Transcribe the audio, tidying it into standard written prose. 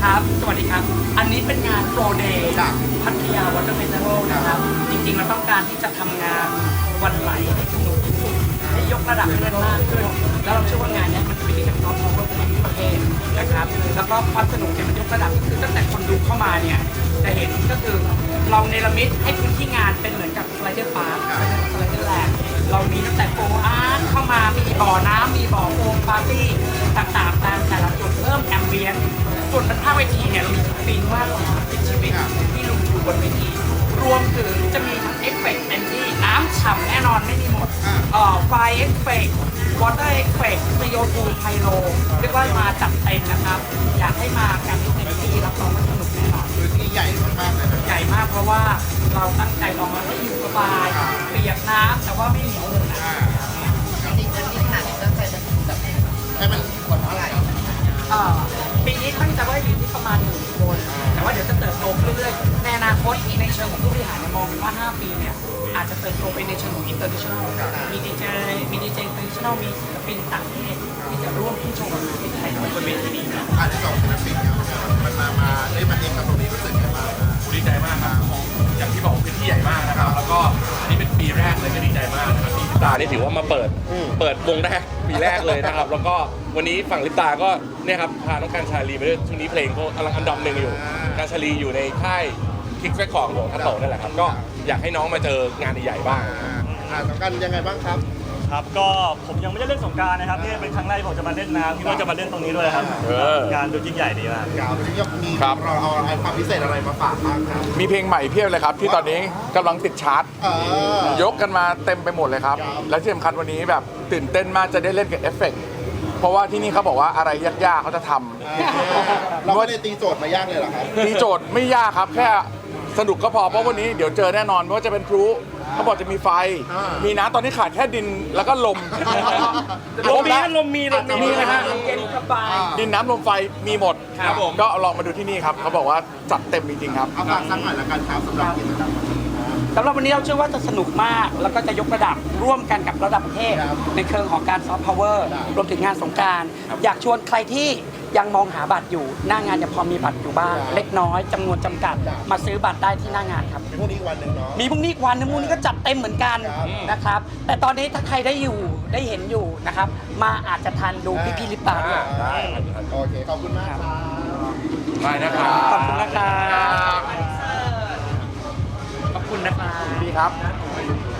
ครับสวัสดีครับอันนี้เป็นงานโปรเดย์จากพัทยาวอเตอร์เฟสติวัลนะครับจริงๆเราต้องการที่จะทำงานวันไหลให้สนุกที่สุดให้ยกระดับให้มันมากขึ้นแล้วเราเชื่อว่างานนี้มันเป็นการซอฟต์พาวเวอร์ของประเทศนะครับแล้วก็ความสนุกเนี่ยมันยกระดับก็คือตั้งแต่คนดูเข้ามาเนี่ยจะเห็นก็คือเราเนรมิตให้พื้นที่งานเป็นเหมือนกับสไลเดอร์พาร์คสไลเดอร์แลนด์เรามีตั้งแต่โฟอาร์ตเข้ามามีบ่อน้ำมีบ่อโฟมปาร์ตี้ต่างๆตามแต่ละจุดเพิ่มแอมเบียนส่วนบนภาคเวทีเนี่ยเรามีสปริงมากกว่า30ชีวิตที่ลงอยู่บนเวทีรวมถึงจะมีทั้งเอฟเฟกต์เต็มที่น้ำฉ่ำแน่นอนไม่มีหมดไฟเอฟเฟกต์วอเตอร์เอฟเฟกต์CO2 ไฮโลเรียกว่ามาจัดเต็มนะครับอยากให้มากันเต็มที่รับรองว่าสนุกแน่นอนพื้นที่ใหญ่มากๆเลยนะใหญ่มากเพราะว่าเราตั้งใจลองมาให้อยู่สบายเปียกน้ำแต่ว่าไม่เหนียวเลยนะจริงๆจะมีขนาดนี้ตั้งใจจะแบบให้มันคนเท่าไหร่ปีนี้ตั้งใจว่าอยู่ที่ประมาณ1 คนแต่ว่าเดี๋ยวจะเติบโตขึ้นเรื่อยๆในอนาคตในเชิงของผู้บริหารมองเป็นว่า5 ปีเนี่ยอาจจะเติบโตไปในเชิงของ international มีดีเจinternational มีศิลปินต่างประเทศที่จะร่วมขึ้นโชว์กับประเทศไทยบนเวทีนี้นะอาจจะ2 ศิลปินเนี่ยมันได้มาเองกับตรงนี้รู้สึกยังไงบ้างดีใจมากครับอย่างที่บอกพื้นที่ใหญ่มากนะครับแล้วก็อันนี้เป็นปีแรกเลยก็ดีใจมากนะครับที่ลิปตานี่ถือว่ามาเปิดวงแรกปีแรกเลยนะครับแล้วก็วันนี้ฝั่งลิปตาก็เนี่ยครับพาน้องการชาลีไปด้วยช่วงนี้เพลงเขากำลังอันดับ1อยู่การชาลีอยู่ในค่ายคิกแฟคคอร์ของทัตโตนั่นแหละครับก็อยากให้น้องมาเจองานใหญ่ๆบ้างสงกรานต์ยังไงบ้างครับครับก็ผมยังไม่ได้เล่นสงกรานต์นะครับนี่เป็นครั้งแรกที่ผมจะมาเล่นน้ำที่ว่าจะมาเล่นตรงนี้ด้วยครับงานดูยิ่งใหญ่ดีมากครับมีเราเอาอะไรความพิเศษอะไรมาฝากบ้างครับมีเพลงใหม่เพียบเลยครับที่ตอนนี้กำลังติดชาร์ตยกกันมาเต็มไปหมดเลยครับและที่สำคัญวันนี้แบบตื่นเต้นมากจะได้เล่นกับเอฟเฟกต์เพราะว่าที่นี่เขาบอกว่าอะไรยากๆเขาจะทำเราไม่ได้ตีโจทย์มายากเลยหรอครับตีโจทย์ไม่ยากครับแค่สนุกก็พอเพราะวันนี้เดี๋ยวเจอแน่นอนไม่ว่าจะเป็นพลุเขาบอกจะมีไฟมีน้ำตอนนี้ขาดแค่ดินแล้วก็ลมลมมีนะฮะเย็นสบายดินน้ำลมไฟมีหมดครับผมก็ลองมาดูที่นี่ครับเขาบอกว่าจัดเต็มจริงๆครับเอาฝากสักหน่อยละกันครับสำหรับกิจกรรมสำหรับวันนี้เราเชื่อว่าจะสนุกมากแล้วก็จะยกระดับร่วมกันกับระดับประเทศในเชิงของการซอฟต์พาวเวอร์รวมถึงงานสงกรานต์อยากชวนใครที่ยังมองหาบัตรอยู่หน้างานยังพอมีบัตรอยู่บ้างเล็กน้อยจำนวนจำกัดมาซื้อบัตรได้ที่หน้างานครับพรุ่งนี้วันหนึ่งเนาะมีพรุ่งนี้วันนึงพรุ่งนี้ก็จัดเต็มเหมือนกันนะครับแต่ตอนนี้ถ้าใครได้เห็นอยู่นะครับมาอาจจะทันดูพี่ลิปตาด้วยโอเคขอบคุณมากครับได้นะครับขอบคุณนะครับขอบคุณนะครับดีครับ